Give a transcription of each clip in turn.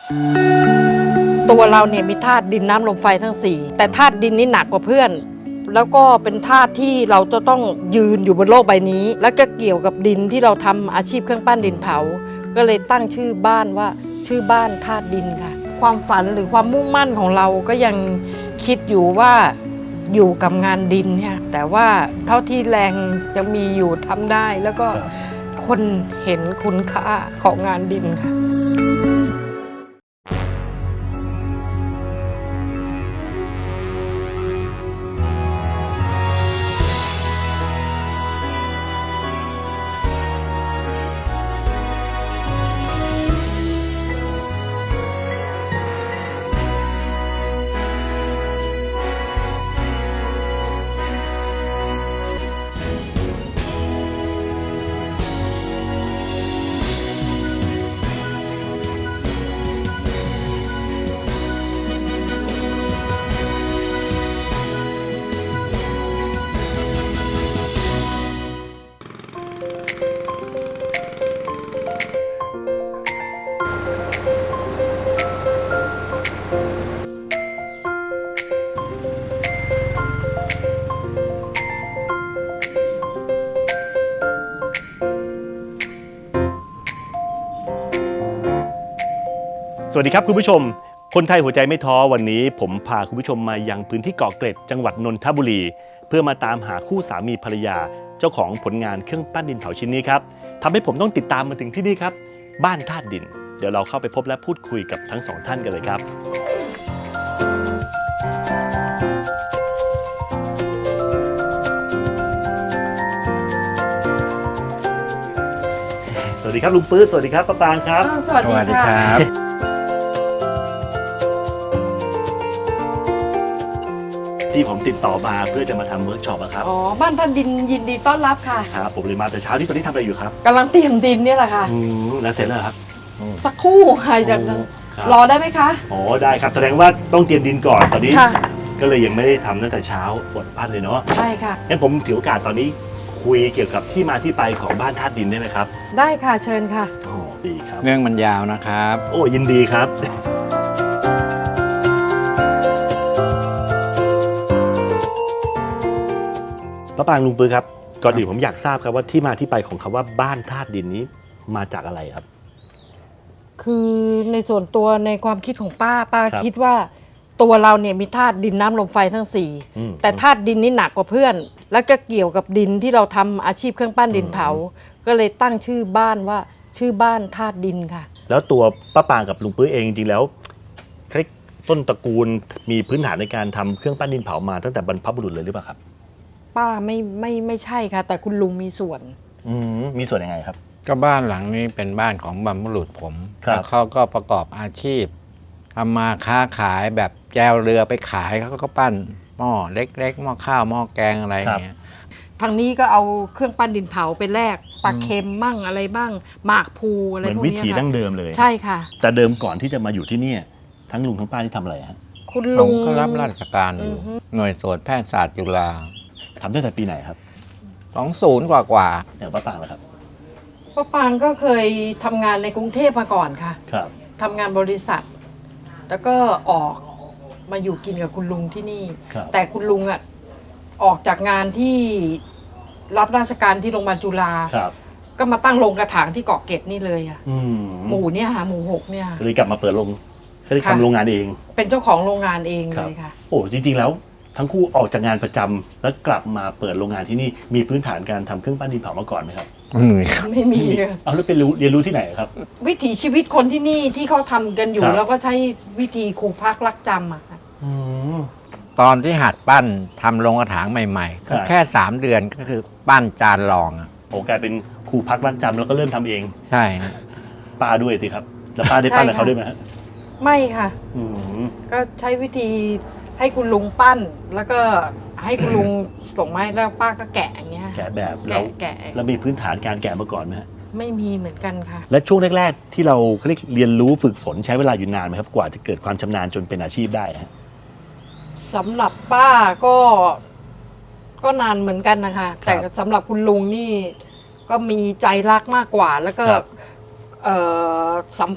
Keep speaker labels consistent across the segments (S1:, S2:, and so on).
S1: ตัวเราเนี่ยมีธาตุดินน้ำลมไฟทั้ง4แต่ธาตุดินนี่หนักกว่าเพื่อนแล้วก็เป็นธาตุที่เราจะต้องยืนอยู่บนโลกใบนี้แล้วก็เกี่ยวกับดินที่เราทำอาชีพเครื่องปั้นดินเผาก็เลยตั้งชื่อบ้านว่าชื่อบ้านธาตุดินค่ะความฝันหรือความมุ่งมั่นของเราก็ยังคิดอยู่ว่าอยู่กับงานดินเนี่ยแต่ว่าเท่าที่แรงจะมีอยู่ทำได้แล้วก็คนเห็นคุณค่าของงานดินค่ะ
S2: สวัสดีครับคุณผู้ชมคนไทยหัวใจไม่ท้อวันนี้ผมพาคุณผู้ชมมายังพื้นที่เกาะเกร็ดจังหวัดนนทบุรีเพื่อมาตามหาคู่สามีภรรยาเจ้าของผลงานเครื่องปั้นดินเผาชิ้นนี้ครับทำให้ผมต้องติดตามมาถึงที่นี่ครับบ้านธาตุดินเดี๋ยวเราเข้าไปพบและพูดคุยกับทั้งสองท่านกันเลยครับสวัสดีครับลุงปื๊ดสวัสดีครับป้าปางครับ
S1: สวัสดีครับ
S2: ที่ผมติดต่อมาเพื่อจะมาทำเวิร์กช็อปครับ
S1: อ๋อบ้านท่านดินยินดีต้อนรับค่ะ
S2: ครับผมเลยมาแต่เช้าที่ตอนนี้ทำอะไรอยู่ครับ
S1: กำลังเตรียมดินนี่แหละค่ะ
S2: แล้วเสร็จแล้วครับ
S1: สักครู่ค่ะจะรอได้ไหมคะ
S2: อ๋อได้ครับแสดงว่าต้องเตรียมดินก่อนตอนนี้ก็เลยยังไม่ได้ทำตั้งแต่เช้าบดปั้นเลยเนาะ
S1: ใช่ค่ะ
S2: งั้นผมถือโอกาสตอนนี้คุยเกี่ยวกับที่มาที่ไปของบ้านธาตุดินได้ไหมครับ
S1: ได้ค่ะเชิญค่ะ
S2: โอ้ดีครับ
S3: เรื่องมันยาวนะครับ
S2: โอ้ยินดีครับป้าปางลุงปื๊ดครับก่อนอื่นผมอยากทราบครับว่าที่มาที่ไปของคำว่าบ้านธาตุดินนี้มาจากอะไรครับ
S1: คือในส่วนตัวในความคิดของป้าคิดว่าตัวเราเนี่ยมีธาตุดินน้ำลมไฟทั้ง4แต่ธาตุดินนี่หนักกว่าเพื่อนแล้วก็เกี่ยวกับดินที่เราทำอาชีพเครื่องปั้นดินเผาก็เลยตั้งชื่อบ้านว่าชื่อบ้านธาตุดินค่ะ
S2: แล้วตัวป้าปางกับลุงปื๊ดเองจริงๆแล้วต้นตระกูลมีพื้นฐานในการทำเครื่องปั้นดินเผามาตั้งแต่บรรพบุรุษเลยหรือเปล่าครับ
S1: ป้าไม่ใช่ค่ะแต่คุณลุงมีส่วน
S2: มีส่วนยังไงครับ
S3: ก็บ้านหลังนี้เป็นบ้านของบรรพบุรุษผมแล้วเขาก็ประกอบอาชีพทำมาค้าขายแบบแจวเรือไปขายเขาก็ปั้นหม้อเล็กๆหม้อข้าวหม้อแกงอะไรอย่างเงี้ย
S1: ทางนี้ก็เอาเครื่องปั้นดินเผาไปแลกปลาเค็มมั่งอะไรบ้างหมากภูอะไรพวกนี้
S2: เหมือนวิถีดั้งเดิมเลย
S1: ใช่ค่ะ
S2: แต่เดิมก่อนที่จะมาอยู่ที่นี่ทั้งลุงทั้งป้าที่ทำอะไรฮะ
S1: คุณลุง
S3: ก็รับราชการอยู่หน่วยตรวจแพทยศาสตร์จุฬา
S2: ทำตั้งแต่ปีไหนครับ
S3: 20กว่า
S2: อย่างป้าปางล่ะครับ
S1: ป้าปางก็เคยทำงานในกรุงเทพมาก่อนค่ะ
S2: ครับ
S1: ทำงานบริษัทแล้วก็ออกมาอยู่กินกับคุณลุงที่นี่แต่คุณลุงอ่ะออกจากงานที่รับราชการที่โรงพยาบาลจุฬาก็มาตั้งโรงกระถางที่เกาะเกร็ดนี่เลยอ่ะหมู่เนี่ยค่ะหมู่6เนี่ย
S2: ก็เลยกลับมาเปิดโรงก็เลยทำโรงงานเอง
S1: เป็นเจ้าของโรงงานเองเลยค่ะ
S2: โอ้จริงๆแล้วทั้งคู่ออกจากงานประจำแล้วกลับมาเปิดโรงงานที่นี่มีพื้นฐานการทำเครื่องปั้นดินเผามาก่อนไหมครับ
S1: ไม่มี
S2: เอาแล้วไปเรียนรู้ที่ไหนครับ
S1: วิถีชีวิตคนที่นี่ที่เขาทำกันอยู่แล้วก็ใช้วิธีครูพักรักจำอะค่ะ
S3: ตอนที่หัดปั้นทำโรงกระถางใหม่ๆก็แค่3 เดือนก็คือปั้นจานรอง
S2: โอ้กลายเป็นครูพักรักจำแล้วก็เริ่มทำเอง
S3: ใช่
S2: ป้าด้วยสิครับแล้วป้าได้ปั้นกับเขาด้วยไหม
S1: ไม่ค่ะก็ใช้วิธีให้คุณลุงปั้นแล้วก็ให้คุณลุงส่งไม้แล้วป้าก็แกะอย่างเงี้ย
S2: แกะแบบแล้วมีพื้นฐานการแกะมาก่อนไหมฮะ
S1: ไม่มีเหมือนกันค่ะ
S2: และช่วงแรกๆที่เราเรียนรู้ฝึกฝนใช้เวลาอยู่นานไหมครับกว่าจะเกิดความชำนาญจนเป็นอาชีพได้ฮะ
S1: สำหรับป้าก็นานเหมือนกันนะคะแต่สำหรับคุณลุงนี่ก็มีใจรักมากกว่าแล้วก็สัมผัส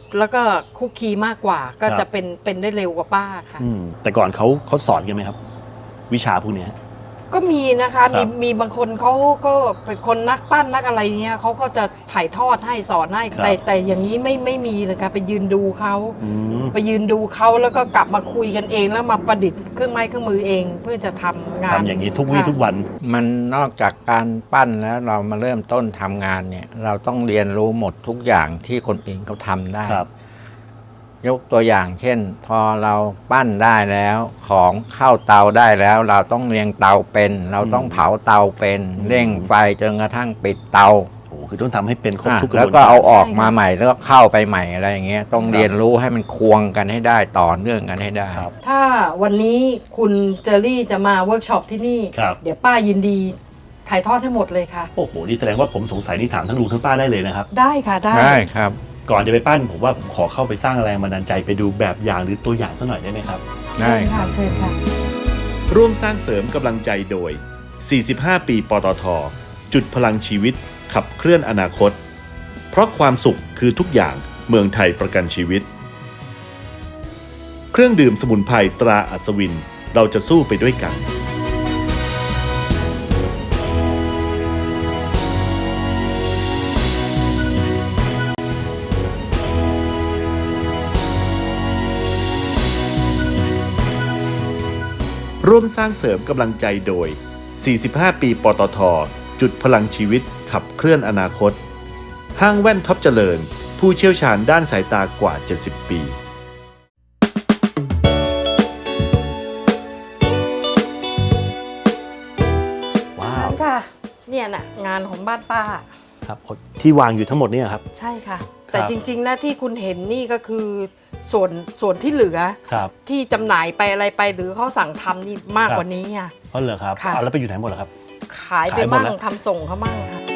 S1: แล้วก็คุกคีมากกว่าก็
S2: ครับ
S1: จะเป็นได้เร็วกว่าป้าค่ะ
S2: แต่ก่อนเขาสอนกันไหมครับ วิชาพวกเนี้ย
S1: ก็มีนะคะ
S2: ครับ
S1: มีบางคนเขาก็เป็นคนนักปั้นนักอะไรเงี้ยเขาก็จะถ่ายทอดให้สอนให้แต่อย่างนี้ไม่มีเลยค่ะไปยืนดูเขา
S2: อืม
S1: ไปยืนดูเขาแล้วก็กลับมาคุยกันเองแล้วมาประดิษฐ์เครื่องไม้เครื่องมือเองเพื่อจะทำงาน
S2: ทำอย่างนี้ทุกวี่ทุกวัน
S3: มันนอกจากการปั้นแล้วเรามาเริ่มต้นทำงานเนี่ย เราต้องเรียนรู้หมดทุกอย่างที่คนอื่นเขาทำได้
S2: ครับ
S3: ยกตัวอย่างเช่น พอเราปั้นได้แล้ว ของเข้าเตาได้แล้ว เราต้องเรียงเตาเป็น เราต้องเผาเตาเป็นเร่งไฟจนกระทั่งปิดเตา
S2: โอ้คือต้องทำให้เป็นครบทุกกระบวน
S3: แล้วก็เอาออกมาใหม่แล้วก็เข้าไปใหม่อะไรอย่างเงี้ยต้องเรียนรู้ให้มันควงกันให้ได้ต่อเนื่องกันให้ได้
S2: ครับ
S1: ถ้าวันนี้คุณเจอรี่จะมาเวิร์กช็อปที่นี่
S2: ครับ
S1: เดี๋ยวป้ายินดีถ่ายทอดให้หมดเลยค่ะ
S2: โอ้โหนี่แสดงว่าผมสงสัยนี่ถามทั้งลุงทั้งป้าได้เลยนะครับ
S1: ได้ค่ะได้
S3: ได้ครับ
S2: ก่อนจะไปปั้นผมว่าผมขอเข้าไปสร้างแรงบันดาลใจไปดูแบบอย่างหรือตัวอย่างสักหน่อยได้ไหมครับ
S1: เชิญค่ะเชิญค่ะ
S2: ร่วมสร้างเสริมกำลังใจโดย 45 ปีปตท. จุดพลังชีวิตขับเคลื่อนอนาคต เพราะความสุขคือทุกอย่างเมืองไทยประกันชีวิต เครื่องดื่มสมุนไพรตราอัศวินเราจะสู้ไปด้วยกัน ร่วมสร้างเสริมกำลังใจโดย 45 ปีปตท. จุดพลังชีวิตขับเคลื่อนอนาคต ห้างแว่นท็อปเจริญ ผู้เชี่ยวชาญด้านสายตากว่า 70 ปี ว้า
S1: เชิ
S2: ว
S1: ญค่ะ เนี่ยน่ะงานของบ้านป้า
S2: ครับที่วางอยู่ทั้งหมดเนี่ยครับ
S1: ใช่ค่ะ แต่จริงๆนะที่คุณเห็นนี่ก็คือส่วนที่เหลือ
S2: ครับ
S1: ที่จำหน่ายไปอะไรไปหรือเขาสั่งทำนี่มาก
S2: ครับ
S1: กว่านี้อ่ะ
S2: อ๋อเหรอครับ
S1: ค่ะ
S2: เอาแล้วไปอยู่ไหนหมดเหรอครับ
S1: ขายไป
S2: ขายหมด
S1: มั่ง
S2: แล้ว
S1: ทำส่งเขามั่งค่ะ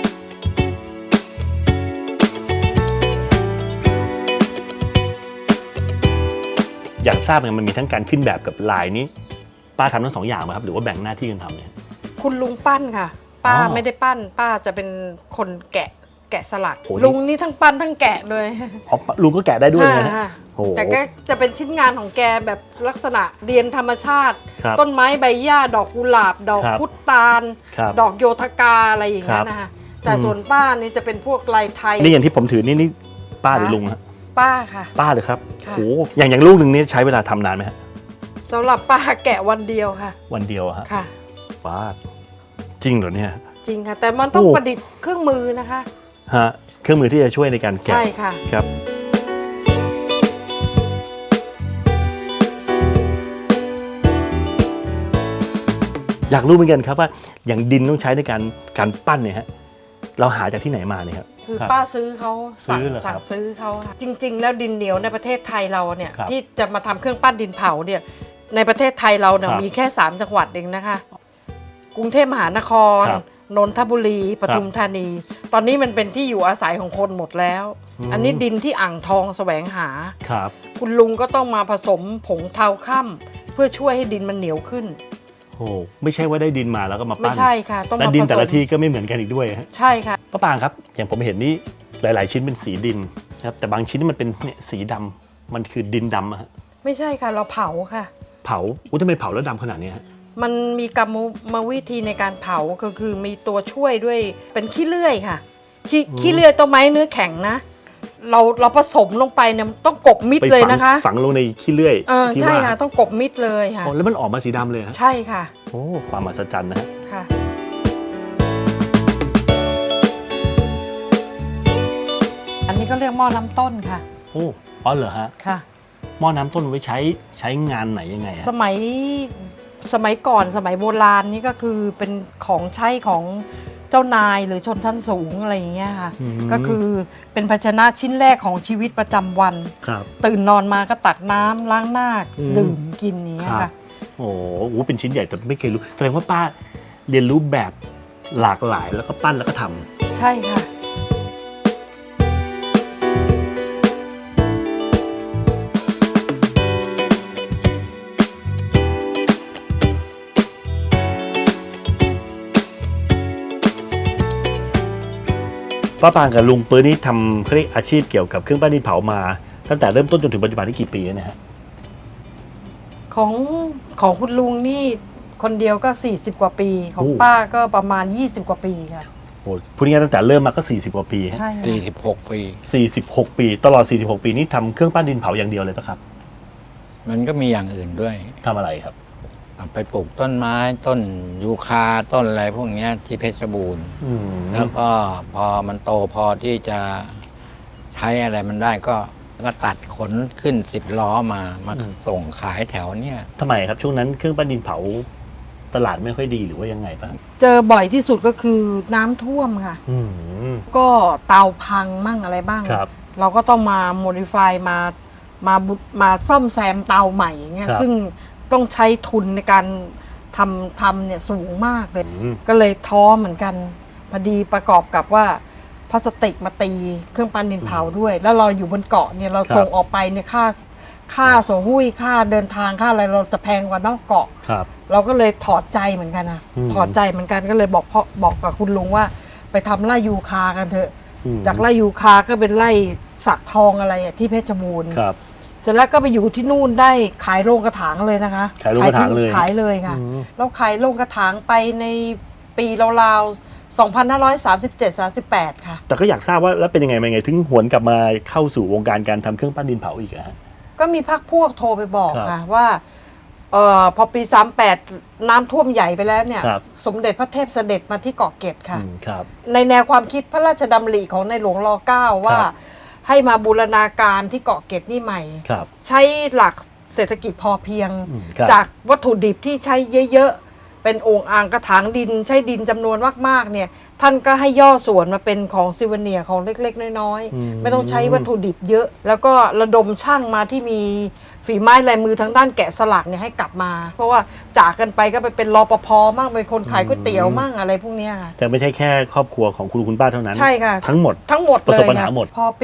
S2: อยากทราบไงมันมีทั้งการขึ้นแบบกับลายนี้ ป้าทำทั้งสองอย่างไหมครับ หรือว่าแบ่งหน้าที่กันทำเนี่ย
S1: คุณลุงปั้นค่ะ ป้า
S2: อ๋อ
S1: ไม่ได้ปั้น ป้าจะเป็นคนแกะสลัก
S2: โหนี่
S1: ลุงนี่ทั้งปั้นทั้งแกะเลย
S2: อ๋อลุงก็แกะได้ด้วยนะฮะ
S1: อ่า
S2: โอ้โห
S1: แต่ก็จะเป็นชิ้นงานของแกแบบลักษณะเรียนธรรมชาติ
S2: ครับ
S1: ต้นไม้ใบหญ้าดอกกุหลาบ ดอก
S2: ครับ
S1: พุตาล
S2: ครับ
S1: ดอกโยธกาอะไรอย่างเงี้ยนะคะแต่ส่วนป้านี่จะเป็นพวกลายไทย
S2: นี่อย่างที่ผมถือนี่ป้าหรือลุงฮะ
S1: ป้าค่ะ
S2: ป้าเลยครับ
S1: ค่ะ
S2: โหอย่างลูกหนึ่งนี่ใช้เวลาทำนานไหมฮะ
S1: สำหรับป้าแกะวันเดียวค่ะ
S2: วันเดียวอะฮะ
S1: ค่ะ
S2: ป้าจริงเหรอเนี่ย
S1: จริงค่ะ แต่มันต้อง
S2: โอ้
S1: ประดิษฐ์เครื่องมือนะคะ
S2: ฮะเครื่องมือที่จะช่วยในการแกะ
S1: ใช่ค่ะ
S2: ครับ อยากรู้เหมือนกันครับว่าอย่างดินต้องใช้ในการปั้นเนี่ยฮะเราหาจากที่ไหนมาเนี่ยครับ
S1: คือ
S2: ครับ
S1: ป้าซื้อเขา
S2: ซื้อเหรอครับ
S1: สั่งซื้อเขาค่ะจริง ๆ แล้วดินเหนียวในประเทศไทยเราเนี่ย
S2: ครับ
S1: ที่จะมาทำเครื่องปั้นดินเผาเนี่ยในประเทศไทยเราเนี่ย
S2: ครับ
S1: มีแค่ 3 จังหวัดเองนะคะ กรุงเทพมหานคร
S2: ครับ
S1: นนทบุรีปทุมธานี ตอนนี้มันเป็นที่อยู่อาศัยของคนหมดแล้ว อันนี้ดินที่อ่างทองแสวงหา
S2: ครับ
S1: คุณลุงก็ต้องมาผสมผงเทาค่ำเพื่อช่วยให้ดินมันเหนียวขึ้น
S2: โอ้ไม่ใช่ว่าได้ดินมาแล้วก็มา
S1: ไม่
S2: ปั้น
S1: ใช่ค่ะ ต้อง
S2: และ
S1: มา
S2: ดิน
S1: ผส
S2: แต่ละ
S1: ม
S2: ที่ก็ไม่เหมือนกันอีกด้วยฮะ
S1: ใช่ค่ะ
S2: ป้าปางครับ อย่างผมเห็นนี่หลาย ๆ ชิ้นเป็นสีดินนะครับแต่บางชิ้นมันเป็นเนี่ยสีดำมันคือดินดำอะฮะ
S1: ไม่ใช่ค่ะเราเผาค่ะ
S2: เผาทำไมเผาแล้วดำขนาดนี้ฮะ
S1: มันมีกรรมวิธีในการเผาก็คือมีตัวช่วยด้วยเป็นขี้เลื่อยค่ะ ขี้เลื่อยต้นไม้เนื้อแข็งนะ เราผสมลงไปเนี่ยต้องกบมิด
S2: ไป
S1: เลยนะคะ
S2: ฝังลงในขี้เลื่อยที่
S1: ใช่
S2: ว่า
S1: ค่ะต้องกบมิดเลยค่ะ
S2: โอ้แล้วมันออกมาสีดำเลยฮะ
S1: ใช่ค่ะ
S2: โอ้ความมหัศจรรย์นะฮะ
S1: ค่ะ อันนี้ก็เรียกหม้อน้ำต้นค่ะ
S2: โอ้อ๋อเหรอฮะ
S1: ค่ะ
S2: หม้อน้ำต้นไว้ใช้งานไหนยังไงฮะ
S1: สมัยก่อนสมัยโบราณนี่ก็คือเป็นของใช้ของเจ้านายหรือชนชั้นสูงอะไรอย่างเงี้ยค่ะ ก็คือเป็นภาชนะชิ้นแรกของชีวิตประจำวัน
S2: ครับ
S1: ตื่นนอนมาก็ตักน้ำล้างหน้า
S2: อืม
S1: ดื่มกินอย่างเงี้ย
S2: ครั
S1: ค่ะ
S2: บ โอ้โหเป็นชิ้นใหญ่แต่ไม่เคยรู้แสดงว่าป้าเรียนรู้แบบหลากหลายแล้วก็ปั้นแล้วก็ทำ
S1: ใช่ค่ะ
S2: ป้าปางกับลุงปื้อนี่ทำเขาเรียกอาชีพเกี่ยวกับเครื่องปั้นดินเผามาตั้งแต่เริ่มต้นจนถึงปัจจุบันนี่กี่ปีแล้วเนะฮะ
S1: ของของคุณลุงนี่คนเดียวก็40 กว่าปี ของ
S2: โอ้
S1: ป้าก็ประมาณ20 กว่าปีค่ะ
S2: โอ้พูดง่ายๆตั้งแต่เริ่มมาก็40กว่าปีฮะ
S1: ใช่ค่ะ
S3: 46 ปี
S2: 46 ปีตลอด46 ปีนี้ทำเครื่องปั้นดินเผาอย่างเดียวเลยปะครับ
S3: มันก็มีอย่างอื่นด้วย
S2: ทำอะไรครับ
S3: ไปปลูกต้นไม้ต้นยูคาต้นอะไรพวกเนี้ยที่เพชรบูรณ์
S2: อืม
S3: แล้วก็พอมันโตพอที่จะใช้อะไรมันได้ก็ตัดขนขึ้น10 ล้อมาส่งขายแถวเนี้ย
S2: ทำไมครับช่วงนั้นเครื่องปั้นดินเผาตลาดไม่ค่อยดีหรือว่ายังไงบ้าง
S1: เจอบ่อยที่สุดก็คือน้ำท่วมค่ะ
S2: อืม
S1: ก็เตาพังมั่งอะไรบ้าง
S2: ครับ
S1: เราก็ต้องมาโมดิฟายมาซ่อมแซมเตาใหม่อย่างเงี้ย
S2: ครับ
S1: ซึ่งต้องใช้ทุนในการทำเนี่ยสูงมากเลย
S2: อืม
S1: ก็เลยท้อเหมือนกันพอดีประกอบกับว่าพลาสติกมาตีเครื่องปั้นดินเผาด้วย แล้วเราอยู่บนเกาะเนี่ยเราส่งออกไปเนี่ยค่าส่งหุ้ยค่าเดินทางค่าอะไรเราจะแพงกว่านอกเกาะ
S2: ครับ
S1: เราก็เลยถอดใจเหมือนกันนะ
S2: อืม
S1: ถอดใจเหมือนกันก็เลยบอกกับคุณลุงว่าไปทำไร่ยูคากันเถอะ
S2: อืม
S1: จากไร่ยูคาก็เป็นไร่สักทองอะไรอะที่เพชรบูรณ์
S2: ครับ
S1: เสร็จแล้วก็ไปอยู่ที่นู่นได้ขายโรงกระถางเลยนะคะ
S2: ขายโรงกระถางเลย
S1: ขายเลยค่ะ
S2: อืม
S1: แล้วขายโรงกระถางไปในปีราวๆ2537-38 ค่ะ
S2: แต่ก็อยากทราบว่าแล้วเป็นยังไงมาไงถึงหวนกลับมาเข้าสู่วงการการทำเครื่องปั้นดินเผาอีกอะฮะ
S1: ก็มีพักพวกโทรไปบอก
S2: ครับ
S1: ค่ะว่าพอปี38น้ำท่วมใหญ่ไปแล้วเนี่ย
S2: ครับ
S1: สมเด็จพระเทพเสด็จมาที่เกาะเกร็ดค่ะ
S2: อืมครับ
S1: ในแนวความคิดพระราชดำริของในหลวงร9ว่า
S2: ครับ
S1: ให้มาบูรณาการที่เกาะเกร็ดนี่ใหม่
S2: ครับ
S1: ใช้หลักเศรษฐกิจพอเพียง
S2: อืมครับ
S1: จากวัตถุดิบที่ใช้เยอะๆ เป็นโอ่งอ่างกระถางดิน ใช้ดินจำนวนมากๆเนี่ยท่านก็ให้ย่อส่วนมาเป็นของซิวเนียร์ของเล็กๆ น้อย
S2: อืม
S1: ๆ ไม่ต้องใช้วัตถุดิบเยอะ แล้วก็ระดมช่างมาที่มีฝีไม้ลายมือทางด้านแกะสลักเนี่ยให้กลับมา เพราะว่าจากกันไปก็ไปเป็นรปภมั่งเป็นคนขายก๋วยเตี๋ยวมั่งอะไรพวกเนี้ยค่ะ
S2: แต่ไม่ใช่แค่ครอบครัวของคุณลุงคุณป้าเท่านั้น
S1: ใช่ค่ะ
S2: ทั้งหมด
S1: ทั้งหมด
S2: ประ
S1: เล
S2: สบ
S1: ย
S2: ปัญหา
S1: ค่ะ
S2: หมด
S1: พอปี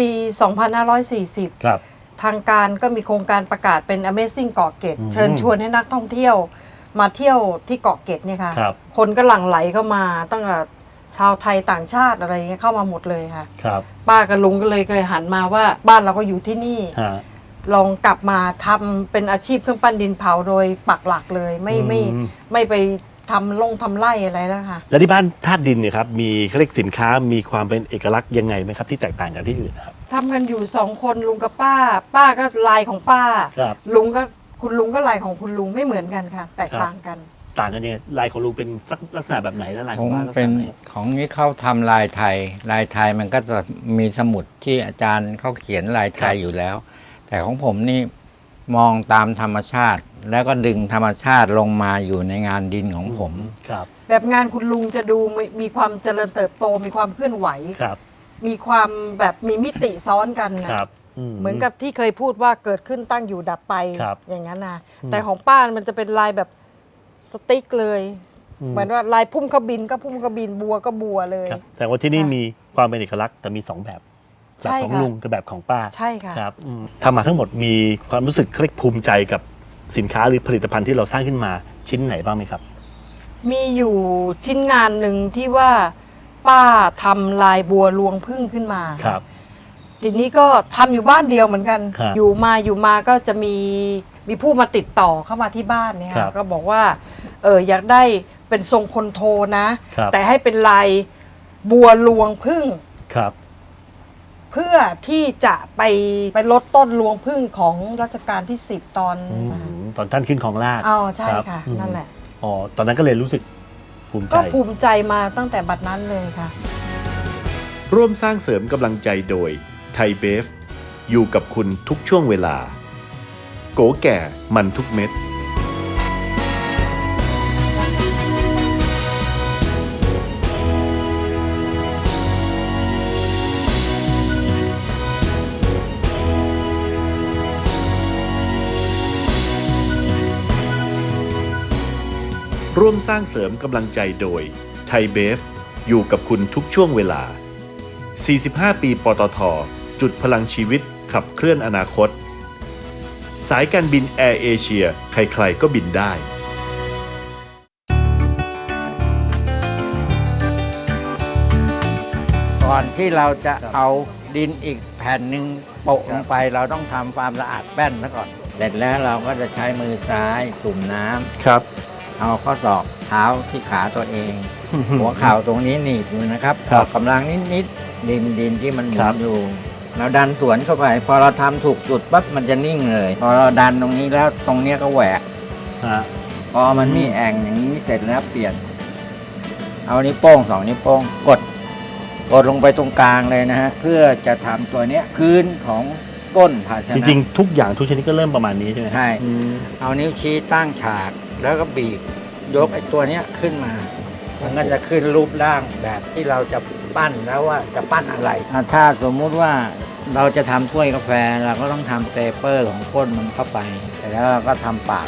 S1: 2540
S2: ครับ
S1: ทางการก็มีโครงการประกาศเป็น Amazing เกาะเกร็ด
S2: อืม
S1: เชิญชวนให้นักท่องเที่ยวมาเที่ยวที่เกาะเกร็ดเนี่ยค่ะ
S2: ครับ
S1: คนก็หลั่งไหลเข้ามาตั้งแต่ชาวไทยต่างชาติอะไรเงี้ยเข้ามาหมดเลยค่ะ
S2: ครับ
S1: ป้ากับลุงก็เลยเคยหันมาว่าบ้านเราก็อยู่ที่นี่
S2: ฮะ
S1: ลองกลับมาทำเป็นอาชีพเครื่องปั้นดินเผาโดยปักหลักเลยไม่ไปทำไร่อะไรแล้วค่ะ
S2: แล้วที่บ้านธาตุดินเนี่ยครับมีเขาเรียกสินค้ามีความเป็นเอกลักษณ์ยังไงไหมครับที่แตกต่างจากที่อื่นนะครับ
S1: ทำกันอยู่2 คนลุงกับป้า ป้าก็ลายของป้า
S2: ครับ
S1: คุณลุงก็ลายของคุณลุงไม่เหมือนกันค่ะ แตกต่างกัน
S2: ต่างกันยังไงลายของลุงเป็นลักษณะแบบไหนและลาย
S3: ข
S2: ข
S3: อ
S2: อง งป้าลักษ
S3: เป็น
S2: ณะไหน
S3: ของนี้เขาทำลายไทย ลายไทยมันก็จะมีสมุดที่อาจารย์เขาเขียนลายไทยอยู่แล้ว แต่ของผมนี่มองตามธรรมชาติ แล้วก็ดึงธรรมชาติลงมาอยู่ในงานดินของผม
S2: ครับ
S1: แบบงานคุณลุงจะดูมีความเจริญเติบโตมีความเคลื่อนไหว
S2: ครับ
S1: มีความแบบมีมิติซ้อนกันนะครับ เหมือนกับที่เคยพูดว่าเกิดขึ้นตั้งอยู่ดับไป
S2: ครับ
S1: อย่างนั้นนะ
S2: อืม
S1: แต่ของป้ามันจะเป็นลายแบบสติ๊กเลย
S2: อืม
S1: เหมือนว่าลายพุ่มกระบินก็พุ่มกระบินบัวก็บัวเลย
S2: ครับแต่ว่าที่นี่
S1: ค่ะ
S2: มีความเป็นเอกลักษณ์แต่มี 2 แบบแบบ
S1: ใช่
S2: ของ
S1: ค่ะ
S2: ลุงกับแบบของป้า
S1: ใช่ค่ะ
S2: ครับทำมาทั้งหมดมีความรู้สึกเรียกภูมิใจกับสินค้าหรือผลิตภัณฑ์ที่เราสร้างขึ้นมาชิ้นไหนบ้างไหมครับ
S1: มีอยู่ชิ้นงานหนึ่งที่ว่าป้าทำลายบัวลวงพึ่งขึ้นมา
S2: ครับ
S1: ทีนี้ก็ทำอยู่บ้านเดียวเหมือนกัน
S2: ครับ
S1: อยู่มาก็จะมีผู้มาติดต่อเข้ามาที่บ้านเนี่ย
S2: ครั
S1: ค่ะ
S2: บ
S1: ก็บอกว่าอยากได้เป็นทรงคนโทนะ
S2: ครับ
S1: แต่ให้เป็นลายบัวลวงพึ่ง
S2: ครับ
S1: เพื่อที่จะไปลดต้นลวงพึ่งของรัชกาลที่ 10 ตอน
S2: ตอนท่านขึ้นของราชย์
S1: อ๋อใช่
S2: รับ
S1: ค่ะ
S2: อืม
S1: นั่นแหละ
S2: อ๋อตอนนั้นก็เลยรู้สึกภูมิใจ
S1: ก็ภูมิใจมาตั้งแต่บัดนั้นเลยค่ะ
S2: ร่วมสร้างเสริมกำลังใจโดยไทยเบฟอยู่กับคุณทุกช่วงเวลา โกแก่มันทุกเม็ด ร่วมสร้างเสริมกำลังใจโดยไทยเบฟอยู่กับคุณทุกช่วงเวลา 45 ปีปตท. จุดพลังชีวิตขับเคลื่อนอนาคต สายการบินแอร์เอเชียใครๆก็บินได้
S3: ก่อนที่เราจะเอาดินอีกแผ่นหนึ่งโปะลงไปเราต้องทำความสะอาดแป้นซะก่อนเสร็จแล้วเราก็จะใช้มือซ้ายจุ่มน้ำ
S2: ครับ
S3: เอาข้อศอกเท้าที่ขาตัวเอง หัวเข่าตรงนี้หนีบอยู่นะครับ
S2: ครั
S3: อบ อกกำลังนิดๆดินที่มันหมุ
S2: ครั
S3: น
S2: บ
S3: อยู่เราดันสวนเข้าไป พอเราทำถูกจุดปั๊บมันจะนิ่งเลย พอเราดันตรงนี้แล้วตรงเนี้ยก็แหวก
S2: ฮะ
S3: พอมันมีแอ่งอย่างนี้เสร็จแล้วเปลี่ยน เอานิ้วโป้ง2 นิ้วโป้งกดลงไปตรงกลางเลยนะฮะเพื่อจะทำตัวเนี้ยพื้นของก้นภาช
S2: จ
S3: นะ
S2: ริงๆทุกอย่างทุกชนิดก็เริ่มประมาณนี้ใช่ไหม
S3: ใช่
S2: อืม
S3: เอานิ้วชี้ตั้งฉากแล้วก็บีบยกไอ้ตัวเนี้ยขึ้นมา มันก็จะขึ้นรูปร่างแบบที่เราจะปั้นแล้วว่าจะปั้นอะไรถ้าสมมุติว่าเราจะทำถ้วยกาแฟเราก็ต้องทำเตเปอร์ของก้นมันเข้าไปแต่แล้วเราก็ทำปาก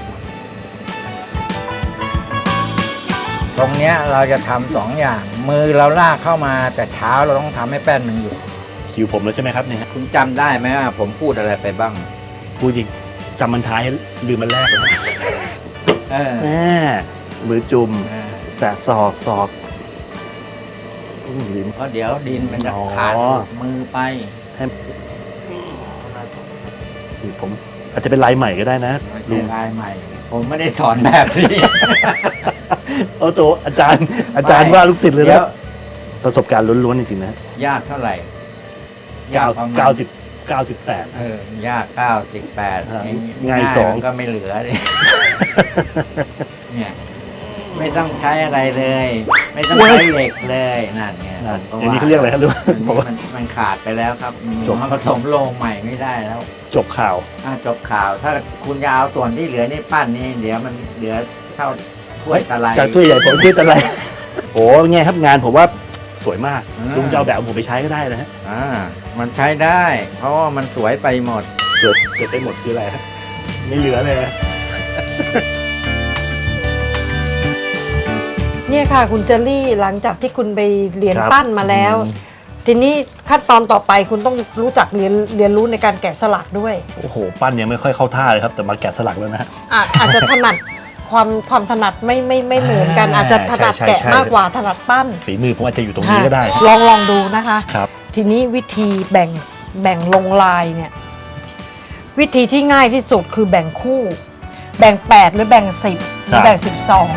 S3: ตรงเนี้ยเราจะทำ2 อย่าง มือเราลากเข้ามาแต่เท้าเราต้องทำให้แป้นมันอยู่
S2: คิวผมแล้วใช่ไหมครับเนี่ยฮะ
S3: คุณจำได้ไหมว่าผมพูดอะไรไปบ้าง
S2: พูดจริงจำมันท้ายลืมมันแรกเลยนะ
S3: เออ
S2: แม่มือจุ่ม
S3: เออ
S2: แต่ศอกลิ้น
S3: เพราะเดี๋ยวดินมันจะ
S2: อ๋อ
S3: ขาดมือไป
S2: ผมอาจจะเป็นลายใหม่ก็ได้นะ
S3: ไม่
S2: ลุ
S3: ใช่
S2: ง
S3: ลายใหม่ ผมไม่ได้สอนแบบนี้
S2: เอาตัวอาจารย์ว่าลูกศิษย์เลย
S3: เดี๋ย
S2: นะ
S3: ว
S2: ประสบการณ์ล้วนๆจริงๆนะ
S3: ยากเท่าไหร่ ประมาณ
S2: 98
S3: ยาก98
S2: ครับ
S3: เอง
S2: ง่ายสอง
S3: มันก็ไม่เหลือเลย เนี่ยไม่ต้องใช้อะไรเลย ไม่ต้องใช้เหล็กเลยนั่นไง
S2: อย่างนี้เขาเรียกอะไรครับลุง
S3: อัน
S2: ผม
S3: นี้
S2: ว่า
S3: มันขาดไปแล้วครับ
S2: จบ
S3: มันผสมโลงใหม่ไม่ได้แล้ว
S2: จบข่าว
S3: จบข่าว ถ้าคุณจะเอาส่วนที่เหลือนี่ปั้นนี่เดี๋ยวมันเหลือเท่าถ้วยตะไล
S2: จากถ้วยใหญ่ผมถ้วยตะไลโอ้ไงครับงานผมว่าสวยมาก
S3: อ่า
S2: ลุงจะเอาแบบผมไปใช้ก็ได้นะฮะ
S3: มันใช้ได้ เพราะว่ามันสวยไปหมด
S2: เกิดไปหมดคืออะไรฮะไม่เหลือเลยนะ
S1: เนี่ยค่ะคุณเจอรี่หลังจากที่คุณไปเรียน
S2: ครับ
S1: ปั้นมาแล้ว ทีนี้ขั้นตอนต่อไปคุณต้องรู้จักเรียนรู้ในการแกะสลักด้วย
S2: โอ้โหปั้นยังไม่ค่อยเข้าท่าเลยครับแต่มาแกะสลักแล้วนะฮะ
S1: อาจจะถนัดความถนัดไม่เหมือนกัน อาจจะถนัด
S2: ใช่
S1: แกะ
S2: ใช่
S1: มากกว่าถนัดปั้น
S2: ฝีมือผมอาจจะอยู่ตรงนี้ก็ได้
S1: ค่ะลองดูนะคะ
S2: ครับ
S1: ทีนี้วิธีแบ่งลงลายเนี่ยวิธีที่ง่ายที่สุดคือแบ่งคู่ แบ่ง8หรือแบ่ง10หรือแบ่ง12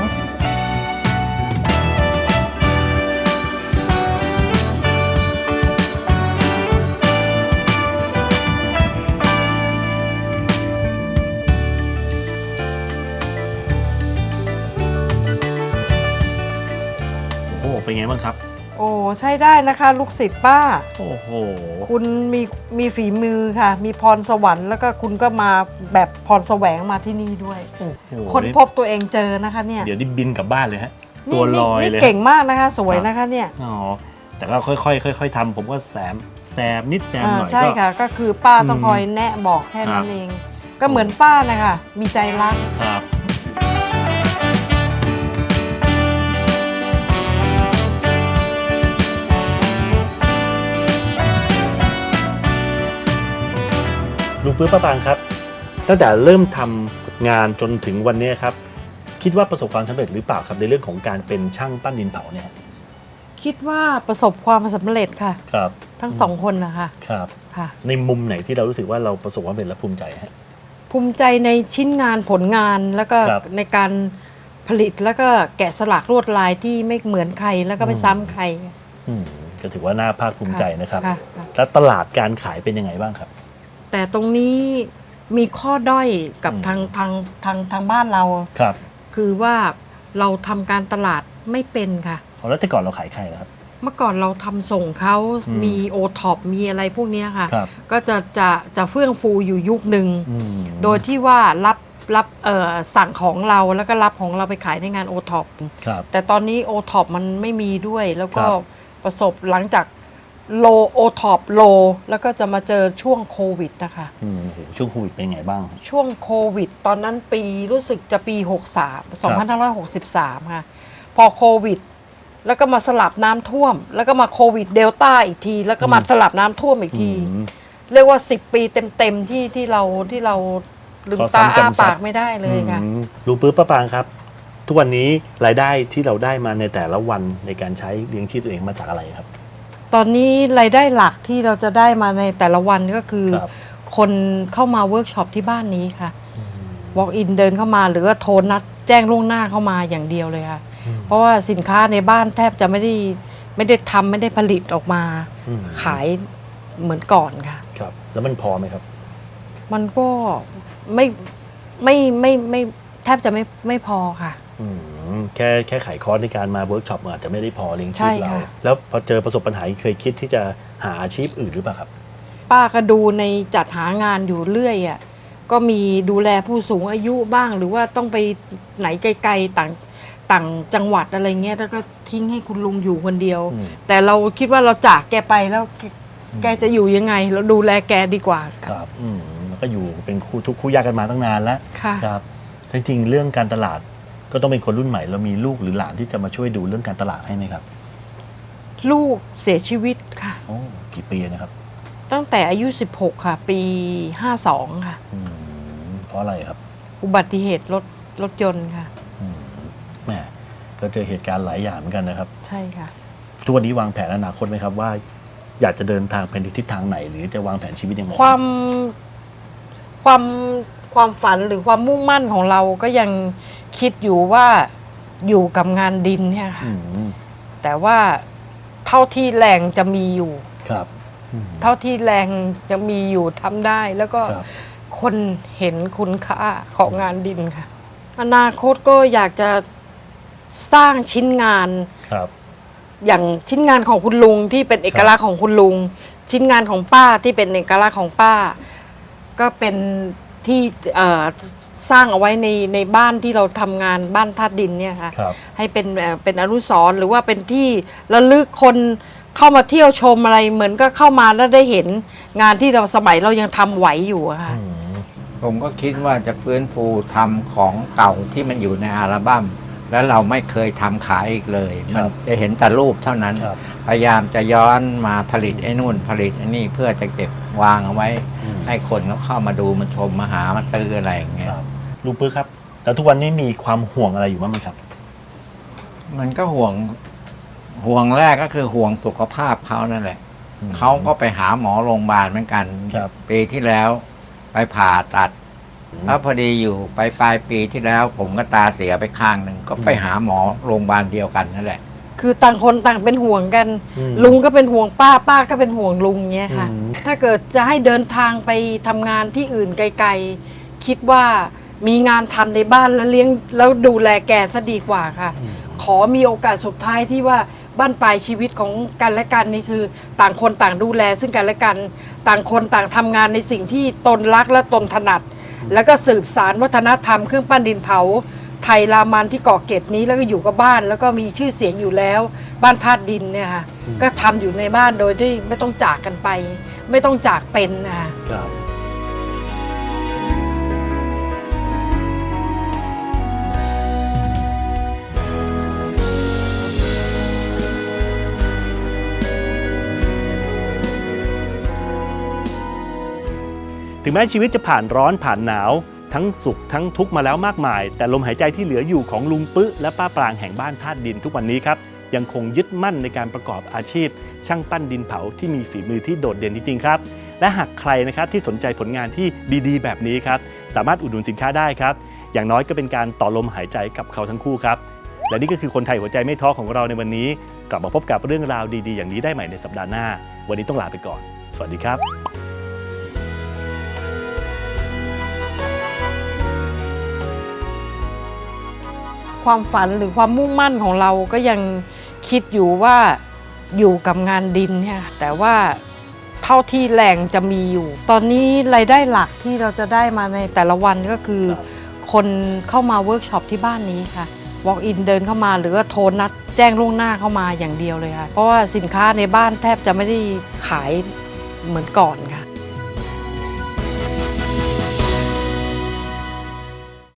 S2: โอ้โหเป็นไงบ้างครับ
S1: โอ้ใช้ได้นะคะ ลูกศิษย์ป้า
S2: โอ้โห
S1: คุณมีฝีมือค่ะ มีพรสวรรค์แล้วก็คุณก็มาแบบพรแสวงมาที่นี่ด้วย
S2: โอ้โห
S1: คนพบตัวเองเจอนะคะเนี่ย
S2: เดี๋ยวนี่บินกลับบ้านเลยฮะ
S1: นี่
S2: ตัวลอย
S1: นี่
S2: เลย
S1: เก่งมากนะคะ สวยนะคะเนี่ย
S2: อ๋อแต่ก็ค่อยๆทำผมก็แซมนิดแซมหน่อย
S1: ใช่
S2: ก็
S1: ค่ะ ก็คือป้าต้อง
S2: อืม
S1: คอยแนะบอกแค่
S2: ครั
S1: นั้
S2: บ
S1: นเอง ก็เหมือนป้านะคะมีใจรัก
S2: ครับลุงปื้อป้าปางครับ ตั้งแต่เริ่มทำงานจนถึงวันนี้ครับ คิดว่าประสบความสำเร็จหรือเปล่าครับในเรื่องของการเป็นช่างปั้นดินเผาเนี่ย
S1: คิดว่าประสบความสำเร็จค่ะ
S2: ครับ
S1: ทั้งสองคนนะคะ
S2: ครับ
S1: ค่ะ
S2: ในมุมไหนที่เรารู้สึกว่าเราประสบความสำเร็จและภูมิใจฮะ
S1: ภูมิใจในชิ้นงานผลงานแล้วก็
S2: ครับ
S1: ในการผลิตแล้วก็แกะสลักลวดลายที่ไม่เหมือนใครแล้วก็ไม่ซ้ำใคร
S2: ก็ถือว่าน่าภาคภูมิใจนะครับ
S1: ค่ะ
S2: แล้วตลาดการขายเป็นยังไงบ้างครับ
S1: แต่ตรงนี้มีข้อด้อยกับ
S2: อืม
S1: ทางบ้านเรา
S2: ครับ
S1: คือว่าเราทำการตลาดไม่เป็นค่ะ
S2: แล้วแต่ก่อนเราขายใครนะครับ
S1: เมื่อก่อนเราทำส่งเขา
S2: อืม
S1: มีโอท็อปมีอะไรพวกเนี้ยค่ะ
S2: ครับ
S1: ก็จะเฟื่องฟูอยู่ยุคหนึ่ง
S2: อืม
S1: โดยที่ว่ารับสั่งของเราแล้วก็รับของเราไปขายในงานโอท็อป
S2: ครับ
S1: แต่ตอนนี้โอท็อปมันไม่มีด้วย แล้วก็
S2: ครับ
S1: ประสบหลังจากโลโอท็อปโลแล้วก็จะมาเจอช่วงโควิดนะคะ
S2: โอ้โหช่วงโควิดเป็นไงบ้าง
S1: ช่วงโควิด ตอนนั้นปีรู้สึกจะปี 2563 ค่ะ พอโควิด แล้วก็มาสลับน้ำท่วม แล้วก็มาโควิดเดลต้าอีกที แล้วก็มาสลับน้ำท่วมอีกที
S2: อืม
S1: เรียกว่า 10 ปีเต็มๆที่เราลืม
S2: ขอ
S1: ตา
S2: ซ้ำ
S1: อ้าก
S2: ำซัด
S1: ปากไม่ได้เลยค่ะ
S2: ลุงปื้อป้าปางครับ ทุกวันนี้รายได้ที่เราได้มาในแต่ละวันในการใช้เลี้ยงชีพตัวเองมาจากอะไรครับ
S1: ตอนนี้รายได้หลักที่เราจะได้มาในแต่ละวันก็คือ
S2: ครับ
S1: คนเข้ามาเวิร์กช็อปที่บ้านนี้ค่ะ walk in เดินเข้ามาหรือว่าโทรนัดแจ้งล่วงหน้าเข้ามาอย่างเดียวเลยค่ะ เพราะว่าสินค้าในบ้านแทบจะไม่ได้ทำไม่ได้ผลิตออกมา ขายเหมือนก่อนค่ะ
S2: ครับแล้วมันพอไหมครับ
S1: มันก็ไม่แทบจะไม่พอค่ะ
S2: แค่ขายคอร์สในการมาเวิร์กช็อปอาจจะไม่ได้พอเลี้ยงชี
S1: ใช่
S2: พเรา
S1: ค่ะ
S2: แล้วพอเจอประสบปัญหาเคยคิดที่จะหาอาชีพอื่นหรือเปล่าครับ
S1: ป้าก็ดูในจัดหางานอยู่เรื่อยอ่ะก็มีดูแลผู้สูงอายุบ้าง หรือว่าต้องไปไหนไกลๆต่างจังหวัดอะไรเงี้ยแล้วก็ทิ้งให้คุณลุงอยู่คนเดียว แต่เราคิดว่าเราจากแกไปแล้วแกจะอยู่ยังไง เราดูแลแกดีกว่า
S2: ครับแล้วก็อยู่เป็นคู่ทุกคู่ยากกันมาตั้งนานแล้ว
S1: ค่ะ
S2: ครับจริงๆเรื่องการตลาดก็ต้องเป็นคนรุ่นใหม่เรามีลูกหรือหลานที่จะมาช่วยดูเรื่องการตลาดให้ไหมครับ
S1: ลูกเสียชีวิตค่ะ
S2: โอ้กี่ปีนะครับ
S1: ตั้งแต่อายุ 16 ค่ะ ปี 52 ค่ะ
S2: เพราะอะไรครับ
S1: อุบัติเหตุรถยนต์ค่ะ
S2: แหมก็เจอเหตุการณ์หลายอย่างเหมือนกันนะครับ
S1: ใช่ค่ะ
S2: ทุกวันนี้วางแผนอนาคตไหมครับว่า อยากจะเดินทางไปในทิศทางไหน หรือจะวางแผนชีวิตยังไง
S1: ความฝันหรือความมุ่งมั่นของเราก็ยังคิดอยู่ว่าอยู่กับงานดินเนี่ยค่ะ แต่ว่าเท่าที่แรงจะมีอยู่
S2: ครับ
S1: เท่าที่แรงจะมีอยู่ทำได้ แล้วก็
S2: ครับ
S1: คนเห็นคุณค่าของงานดินค่ะ อนาคตก็อยากจะสร้างชิ้นงาน
S2: ครับ
S1: อย่างชิ้นงานของคุณลุงที่เป็นเอกลักษณ์ของคุณลุง ชิ้นงานของป้าที่เป็นเอกลักษณ์ของป้า ก็เป็นที่สร้างเอาไว้ในบ้านที่เราทำงานบ้านธาตุดินเนี่ยค่ะ
S2: ครับ
S1: ให้เป็นอนุสรณ์หรือว่าเป็นที่ระลึกคนเข้ามาเที่ยวชมอะไรเหมือนก็เข้ามาแล้วได้เห็นงานที่เราสมัยเรายังทำไหวอยู่อะค่ะ
S3: ผมก็คิดว่าจะฟื้นฟูทำของเก่าที่มันอยู่ในอัลบั้มแล้วเราไม่เคยทำขายอีกเลย
S2: ครั
S3: มัน
S2: บ
S3: จะเห็นแต่รูปเท่านั้น
S2: ครับ
S3: พยายามจะย้อนมาผลิตไอ้นู่นผลิตไอ้นี่เพื่อจะเก็บวางเอาไว้ ให้คนเขาเข้ามาดูมาชมมาหามาซื้ออะไรอย่างเงี้ย
S2: ครับลุงปื้อครับ แล้วทุกวันนี้มีความห่วงอะไรอยู่บ้างไหมครับ
S3: มันก็ห่วงแรกก็คือห่วงสุขภาพเขานั่นแหละ เขาก็ไปหาหมอโรงพยาบาลเหมือนกัน
S2: ครับ
S3: ปีที่แล้วไปผ่าตัดแล้วพอดีอยู่ปลายปีที่แล้ว ผมก็ตาเสียไปข้างหนึ่งก็ไปหาหมอโรงพยาบาลเดียวกันนั่นแหละ
S1: คือต่างคนต่างเป็นห่วงกัน ลุงก็เป็นห่วงป้าป้าก็เป็นห่วงลุงเงี้ยค่ะ ถ้าเกิดจะให้เดินทางไปทำงานที่อื่นไกลๆคิดว่ามีงานทำในบ้านแล้วเลี้ยงแล้วดูแลแกซะดีกว่าค่ะ ขอมีโอกาสสุดท้ายที่ว่าบ้านปลายชีวิตของกันและกันนี่คือ ต่างคนต่างดูแลซึ่งกันและกัน ต่างคนต่างทำงานในสิ่งที่ตนรักและตนถนัด แล้วก็สืบสารวัฒนธรรมเครื่องปั้นดินเผา ไทยรามันที่เกาะเกร็ดนี้แล้วก็อยู่กับบ้าน แล้วก็มีชื่อเสียงอยู่แล้ว บ้านธาตุดินเนี่ยค่ะก็ทำอยู่ในบ้านโดยที่ไม่ต้องจากกันไป ไม่ต้องจากเป็นนะคะ
S2: ครับ ถึงแม้ชีวิตจะผ่านร้อนผ่านหนาวทั้งสุขทั้งทุกข์มาแล้วมากมาย แต่ลมหายใจที่เหลืออยู่ของลุงปึ๊ะและป้าปรางแห่งบ้านธาตุดินทุกวันนี้ครับยังคงยึดมั่นในการประกอบอาชีพ ช่างปั้นดินเผาที่มีฝีมือที่โดดเด่นจริงๆครับและหากใครนะครับที่สนใจผลงานที่ดีๆ แบบนี้ครับสามารถอุดหนุนสินค้าได้ครับอย่างน้อยก็เป็นการต่อลมหายใจกับเขาทั้งคู่ครับและนี่ก็คือคนไทยหัวใจไม่ท้อของเราในวันนี้กลับมาพบกับเรื่องราวดีๆอย่างนี้ได้ใหม่ในสัปดาห์หน้าวันนี้ต้องลาไปก่อนสวัสดีครับ
S1: ความฝันหรือความมุ่งมั่นของเราก็ยังคิดอยู่ว่าอยู่กับงานดินเนี่ยค่ะแต่ว่าเท่าที่แรงจะมีอยู่ ตอนนี้รายได้หลักที่เราจะได้มาในแต่ละวันก็คือ คนเข้ามาเวิร์กช็อปที่บ้านนี้ค่ะ walk in เดินเข้ามาหรือว่าโทรนัดแจ้งล่วงหน้าเข้ามาอย่างเดียวเลยค่ะ เพราะว่าสินค้าในบ้านแทบจะไม่ได้ขายเหมือนก่อนค่ะ